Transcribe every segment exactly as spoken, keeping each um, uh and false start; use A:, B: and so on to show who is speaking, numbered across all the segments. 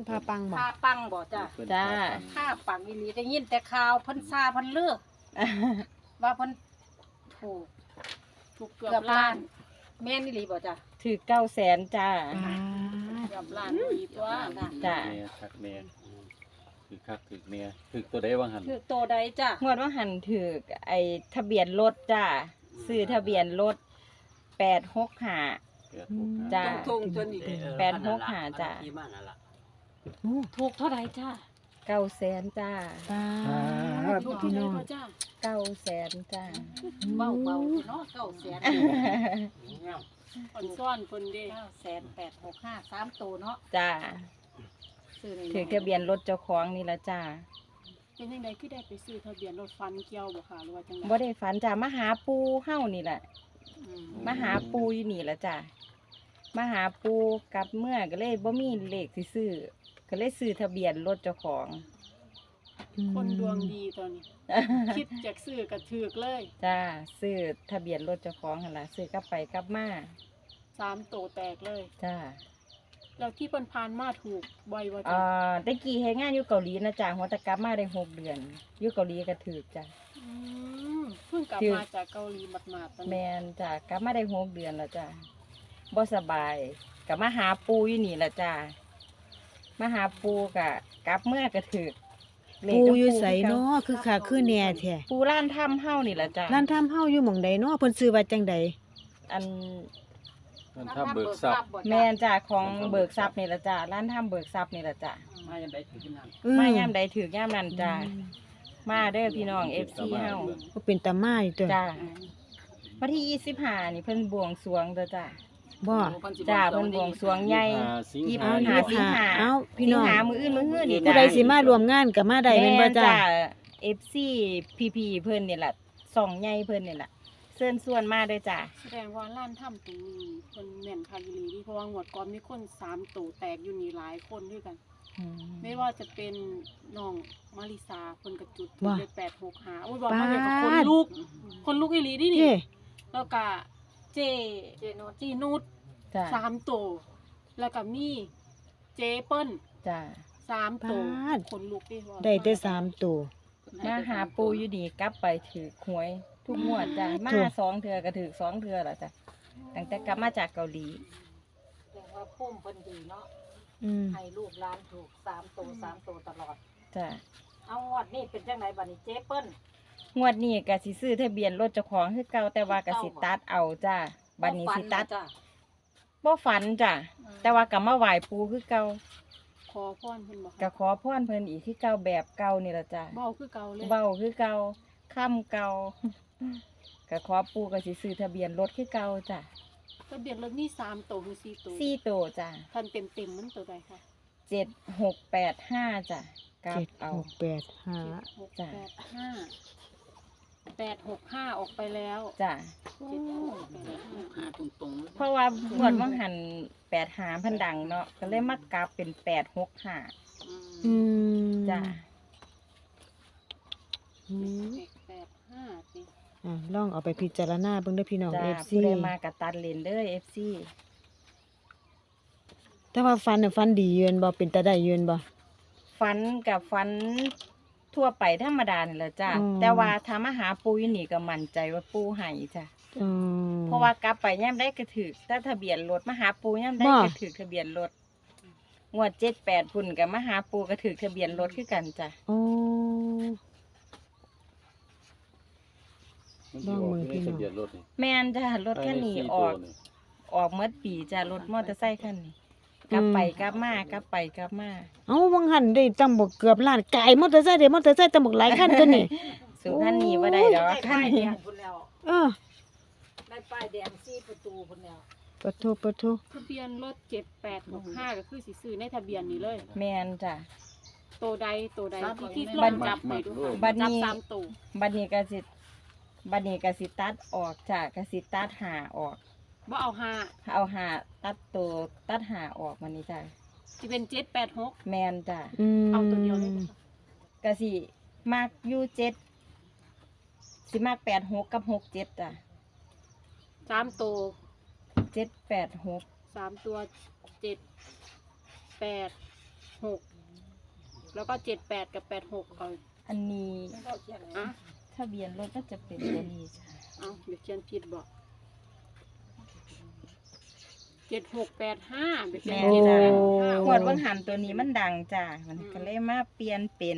A: พาปังบ่
B: ผ้าปังบ่จ้ะ
C: จ้า
B: ผ้าปังอีหลีได้ยินแต่ข่าวเพิ่นซาเพิ่นเลือกว่าเพิ่นถูกถูกเกือบล้านแม่นอีหลีบ่จ้ะ
C: ถือเก้าแสนจ้า
A: อ่า
B: เกือบล้านอีตัวน่ะ
C: จ้ะ
D: แม่คักแม่คือคักคือแม่คือตัวใดว่าหัน
B: คือโตใดจ้ะ
C: งวดว่าหันถือไอ้ทะเบียนรถจ้าซื้อทะเบียนรถแปดหกห้า
D: แปดหกห้า
C: จ้า
E: ทงจนนี่
C: แปดหกห้าจ้ะ
E: ที่บ้านนั่นล่ะ
A: โอ้
B: ถูกเท่าใดจ้ะ
C: เก้าแสนจ้า
A: ปา
B: ถูก
A: พี่
B: เท่าใด
A: น้อง
B: พ่อจ้ะ
C: เก้าแสนจ้า
B: เบาเบาๆเนาะเก้าแสน
F: คนซ่อนคนเด้
B: เก้าแสนแปดหกห้าสามตัวเนาะ
C: จ้า
B: ซื้อใน
C: ถือทะเบียนรถเจ้าของนี่ละจ้า
F: เป็นยังไงคือได้ไปซื้อทะเบียนรถฟันเกี่ยวบ่ค่ะหรือว่าจังได
C: บ่ได้ฝันจ้ามาหาปูเฮ้านี่แหละ
F: อืม
C: มาหาปูอยู่นี่ละจ้ามาหาปูกลับเมื่อก็เลยบ่มีเลขสิซื้อก็เลยซื้อทะเบียนรถเจ้าของ
F: คนดวงดีตอนนี้ คิดจากซื้อกระถือกเลย
C: จ้าซื้อทะเบียนรถเจ้าของหั่นล่ะซื้อกลับไปกลับมา
F: สามโตแตกเลย
C: จ้า
F: แล้วที่เพิ่นพานมาถูกบ่อยว่า
C: อ่
F: จ้ะ
C: าตะกี้เฮ็ดงานอยู่เกาหลีนะจ้าหัวแตะกลับมาได้หกเดือนอยู่เกาหลีก็ถือจ้า
F: อืมเพิ่งกลับ
C: ถือ
F: มาจากเกาหลีหมาดๆตอน
C: แม
F: นี้
C: นจ้ากลับมาได้หกเดือนแล้วจ้าบ่สบายกลับมาหาปูอยู่นี่ละจ้ามาหาปูกะกลับเมื่อก็ถือเลข
A: ปู
C: กับ
A: อยู่ไส
C: คือก่
A: เนาะคือคักคือแน่แท้
C: ปูร้านถ้ำเฮ้านี่ละจ้า
A: ร้านทำเฮาอยู่หม่องใดเนาะเพิ่นซื้อว่าจังใด
C: อัน
D: มันถ้าเบิกทรัพย์
B: บ่
C: แม
B: จ้ะ
C: นจ้าของเบิกทรัพย์นี่ละจ้าร้านถ้ำเบิกทรัพย์นี่ละจ้า
E: มายังได้ถึงนั่น
A: อื
C: มายามใดถือย่ามนั้นจ้ามาเด้อพี่น้อง เอฟ ซี เฮา
A: ก็เป็นตามาอยู่ตัว
C: จ้าวันที่ยี่สิบห้านี่เพิ่นบวงสรวงเด้อจ้า
A: บ่
C: จ้าเพิ่นบวงสรวงใหญ่
D: สิง
C: ยี่สิบ
D: หา
C: ห้า
D: ยี่สิบ
C: สิงหา
A: เอ้าพี่น้อง
C: สิงหามื้ออื่นมื้อฮื้อนี่
A: ผู้
C: จ้า
A: ใดสิมารวมงานก็มาได้แม่นบ่จ้า
C: เอฟซีพีพีเพิ่นนี่แหละสองใหญ่เพิ่นนี่แหละเชิญส่วนมาเด้อจ้า
F: แสดงว่าร้านถ้ำตรงนี้เพิ่นแม่นคักอีหลีนี่เพราะว่างวดก่อนมีคนสามโตแตกอยู่นี่หลายคนด้วยกัน ไม่ว่าจะเป็นน้องมาริสาคนกระจุด
A: ว่า
F: เลยแปดหกหาโอ้ยบอกมาเลยกับคนลูก คนลูกอีหลีนี่นี่
A: เจ้
F: แล้วก็เจ
B: เจโนด
F: จีนุช
C: จ้า
F: สามโตวแล้วก็มีเจเปิ้ล
C: จ้า
F: สามโตว
A: ปาด
F: คนลูกที่ว่า
A: ได้แต่สามตัว
C: มาหาปูอยู่ดีกลับไปถือหวย ทุกงวดจ้ามา
A: ถูก
C: สองเทื่อก็ถือสองเทื่อแล้วจ้ะตั้งแต่กลับมาจากเกาหลี
B: แต่ว่าพุ่มเพิ่นดีเนาะ
A: อืม
B: ให้ลูกหลานถูกสามตัวสามตัวตลอด
C: จ้า
B: เอางวดนี้เป็นจังไดบัดนี้เจ๊เปิ้ล
C: งวดนี้ก็สิซื้อทะเบียนรถเจ้าของคือเก่าแต่ว่าก็สิตัดเอาจ้าบัดนี้สิตัด
B: จ้ะ
C: บ่ฝันจ้ะแต่ว่าก็มาไหว้ปูคือเก่า
F: ขอพรเพิ่นบอก
C: ก็ขอพรเพิ่นอีกคือเก่าแบบเก่านี่ล่ะจ้ะ
F: เบาคือเก่าเลย
C: เว้าคือเก่าค่ำเก่า ก็ขอปูก็สิซื้อทะเบียนรถคือเก่าจ้ะ
F: ทะเบียนรถนี่สามโตวหรือสี่โตว
C: สี่โตวจ้ะ
F: ทันเต็มเต็มๆมันตัวใดคะ
C: เจ็ดหกแปดห้าจ้ะกลับ
A: เจ็ด
C: เอา
A: หกแปดห้า
F: เจ็ดหก
C: จ้ะ
F: แปดห้าแปดหกห้าออกไปแล้ว
C: จ้ะ
F: เจ็ดหกแปดห้า
E: หาตรงๆเลย
C: เพราะว่าหวดว่างหันแปดหาพันดังเนาะก็เลยมากลับเป็นแปดหกห้า
A: อืม
C: จ้ะ
A: อืม
F: เจ็ดแปดห้าสิ
A: อ่ะลองเอาไปพิจารณาเบิ่งเด้อพี่น้อง
C: จ้ะ
A: เอฟซี
C: ผู้ใดมากับตัดเลนเด้อเอฟซี
A: แต่ว่าฟันน่ะฟันดีเยือนบ่เป็นตาได้เยือนบ่
C: ฟันกับฟันทั่วไปธรรมดานี่แหละจ้ะ
A: อืม
C: แต่ว่าถ้ามาหาปูอยู่นี่ก็มั่นใจว่าปูให้จ้ะ
A: อืม
C: เพราะว่ากลับไปย่ำได้กระถือถ้าทะเบียนรถมาหาปูย่ำได้
A: บ่
C: กระถือทะเบียนรถงวดเจ็ดแปดพุ่นกับมาหาปูกระถือทะเบียนรถคือกันจ้ะ
A: โอ้
D: มันสิออกอยู่ในทะเบียนรถนี่
C: แม่นจ้ะรถคันนี้
D: ภายใสี่
C: ออก
D: ตัวนี่
C: ออกเมื่อปีจ้ะรถมอเตอร์ไซค์คันนี้กลับไปกลับมากลับไปกลับมา
A: เอ้าวังหันได้ตั้งบ่เกือบล้านไก่มอเตอร์ไซค์ได้มอเตอร์ไซค์ตั้งบ่หลายคันตัวนี้
C: สู่คันนี้ว่าได้ดอก
B: ได้
C: คัน
B: ป้ายแด
C: นี้
B: งพุ่นแล้ว
A: เออ
B: ได้ป้ายแดงสี่ประตูพุ่นแล้ว
A: ปะโทปะโท
F: ทะเบียนรถเจ็ดแปดหกห้าก็คือสิซื้อในทะเบียนนี้เลย
C: แม่นจ้ะ
F: โตวใดโตวใดที่ที่
C: บั
F: ล
C: ด
F: องจับไปดูค่ะ
C: บัด
F: จับ
C: นี้
F: สามตัว
C: บัดนี้ก็สิบัดนี้ก็สิตัดออกจ้ะก็สิตัดหาออก
F: บ่เอาห้า
C: เอาหาตัดตัวตัดหาออกมานี่จ้ะ
F: จะเป็นเจ็ดแปดหก
C: แมนจ้ะ
A: อืม
F: เอาตัวเดียวเลยบ่คะ
C: ก็สิมากอยู่เจ็ดสิมากแปดหกกับหกเจ็ดจ้ะ
F: สามตัว
C: เจ็ดแปดหก
F: สามตัวเจ็ดแปดหกแล้วก็เจ็ดแปดกับแปดหกเอา
C: อันนี้
F: อ่ะ
C: ทะเบียนรถก็จะเป็นตัวนี้จ้ะ
F: เอาเดี๋ยวเขียนผิดบอกเจ็ดหกแปดห้าเดี๋ยวเขียน
C: แม่
F: ผิด
C: จ้ะ
F: นะ
C: หวดวังหันตัวนี้มันดังจ้ะมันก็เลยมาเปลี่ยนเป็น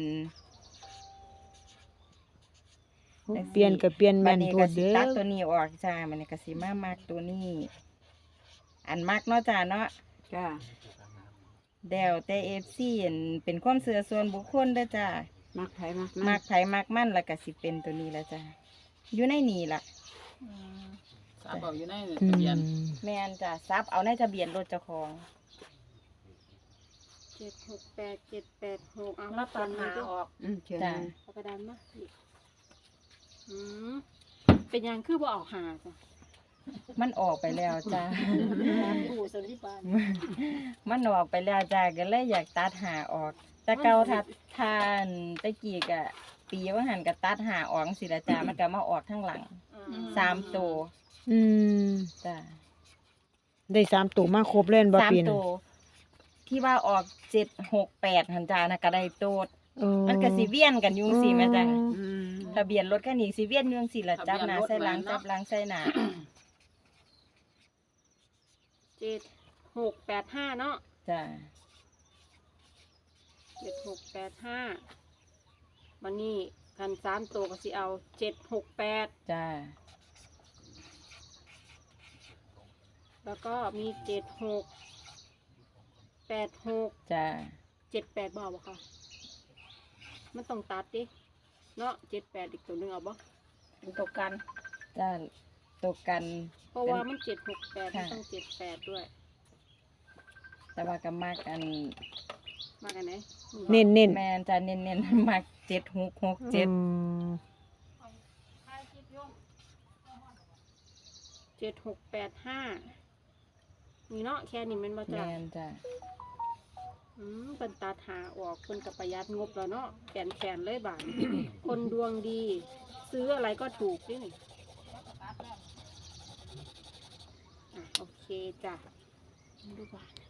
A: เปลี่ยนก็เปลี่ยนแม่
C: บัด
A: น
C: นี้
A: โพ
C: ก็
A: ด
C: สิ
A: เด้อ
C: ตัดตัวนี้ออกจ้ามันนี่ก็สิมามักตัวนี้ อันมักเนาะจ้าเนาะ
E: จ้า
C: เดวแต่เอฟซีเป็นความเสื่อส่วนบุคคลเด้อจ้า
E: มักไผมัก
C: มักไผมักมันแล้วก็สิเป็นตัวนี้ละจ้าอยู่ในนี่ล่ะ
E: สาบเอาอยู่ใน
A: อื
E: ทะเบียน
A: ม
C: แม่นจ้าซับเอาในทะเบียนรถเจ้าของ
F: เจ็ดหกแปดเจ็ดแปดหกเอา
B: แล้วตัดหาออก
E: อืมเขียน
C: จ้า
F: เอากระดานมาอีกอืมเป็นยังคือบ่เอาหาจ้ะ
C: มันออกไปแล้วจ้า
B: ผู้สันติบาล
C: มันออกไปแล้วจ้าก็เลยอยากตัดหาออก แต่เก่าทัดทานตะกี้กะปีว่าหันก็ตัดหาออกสิละจ้ามันก็มาออกข้างหลังสามตัว
A: อืม
C: จ้า
A: ได้สามตัวมาครบเล่นบ่
C: สาม
A: ปีน
C: ตัวที่ว่าออกเจ็ดหกแปดหันจ้านะก็ได้โตด
A: โอ้
C: มันก็สิเวียนกันอยุงสิแม่จ้า
E: อืม
C: ทะเบียนรถคันนี้สิเวียนอยุงสิละจับหน้าใส่หลัง
E: ทะเบียนรถ
C: จับหลังใส่หน้า
F: เจ็ดหกแปดห้าเนาะ
C: จ้า
F: เจ็ดหกแปดห้าวันนี้คันสามตัวก็สิเอาเจ็ดหกแปด
C: จ้า
F: แล้วก็มีเจ็ดหกแปดหก
C: จ้า
F: เจ็ดแปดบ่าวะค่ะมันต้องตัดดิเนาะเจ็ดแปดอีกตัวหนึงเอาบ่
B: เป็นตัวกัน
C: จ้าตกกัน
F: เพราะว่ามันเจ็ดหกแปดมัน
C: ค่ะ
F: ต้องเจ็ดแปดด้วย
C: แต่ว่าก็มากกัน
F: มากันไหน
A: เน้นเน้น
C: แม่นจะเน้นๆ มากเจ็ดหกหกเจ็ด
A: อืม
F: เจ็ดหกแปดห้านี่เนาะแค่นี้แมันบ่จ้ะ
C: แม่นจ้า
F: อืมเป็นตัดหาออกคนกับประหยัดงบแล้วเนาะแขนแขนเลยบาท คนดวงดี ซื้ออะไรก็ถูกนี่นี่อ่ะโอเคจ้ะดูบาท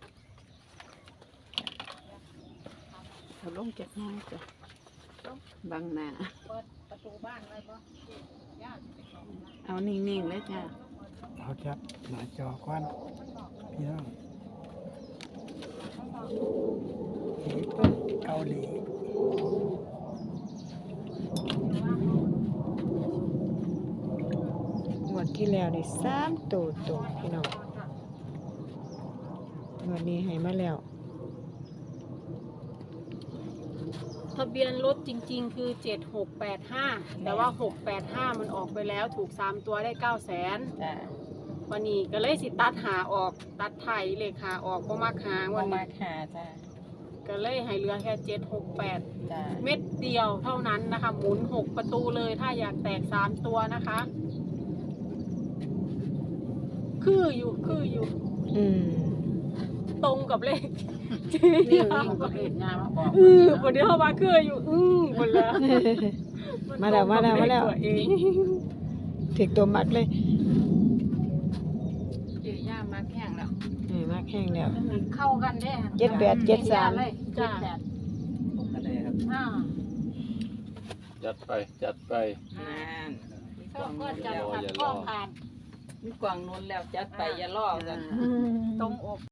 E: เขาลงจากห้องจ้ะบังหน้า
B: เปิดประตูบ้านไว้บ่ญาติ
E: เอานิ่งๆเลยจ้า
G: เอาจับหน้าจอก่อนพี่น้องนี่เป็นเกาหลี
A: งวดที่แล้วได้สามตัวตัวพี่น้องงวดนี้ให้มาแล้ว
F: ทะเบียนรถจริง ๆ คือเจ็ดหกแปดห้าแต่ว่าหกแปดห้ามันออกไปแล้วถูกสามตัวได้เก้าแสน
C: จ้า
F: วันนี้ก็เลยสิตัดหาออกตัดไทยเลขหาออกก็มาหา
C: บ่
F: วัน
C: มา
F: นี้
C: หาจ้า
F: ก็เลยให้เหลือแค่เจ็ดหกแปด
C: จ้า
F: เม็ดเดียวเท่านั้นนะคะ หมุนหกประตูเลยถ้าอยากแตกสามตัวนะคะ คืออยู่คืออยู่
A: อืม
F: ตรงกับเลข
E: นี่นี่ก็เห็นงานมาบอก
F: เออคนที่เข้ามาคืออยู่อือคนละ
A: มาแล้วมาแล้วมาแล้ว
F: นตรงกับเขตัวเอง
A: ถึกตัวมักเลย
E: เจีย่ามาแข่งแล้ว
A: เออมักแห้งแล้ว
B: เข้ากันได้
A: เจ็ดแปดเจ็ดสาม
B: เลยเจ็ดแปด
D: อะไรครับ
B: อ่า
D: จัดไปจัดไป
E: นาน
B: ชอบก็จะขัดข้อผ่าน
E: มีกวางนนแล้วจัดไปอย่าล่อกัน
B: ตรงอก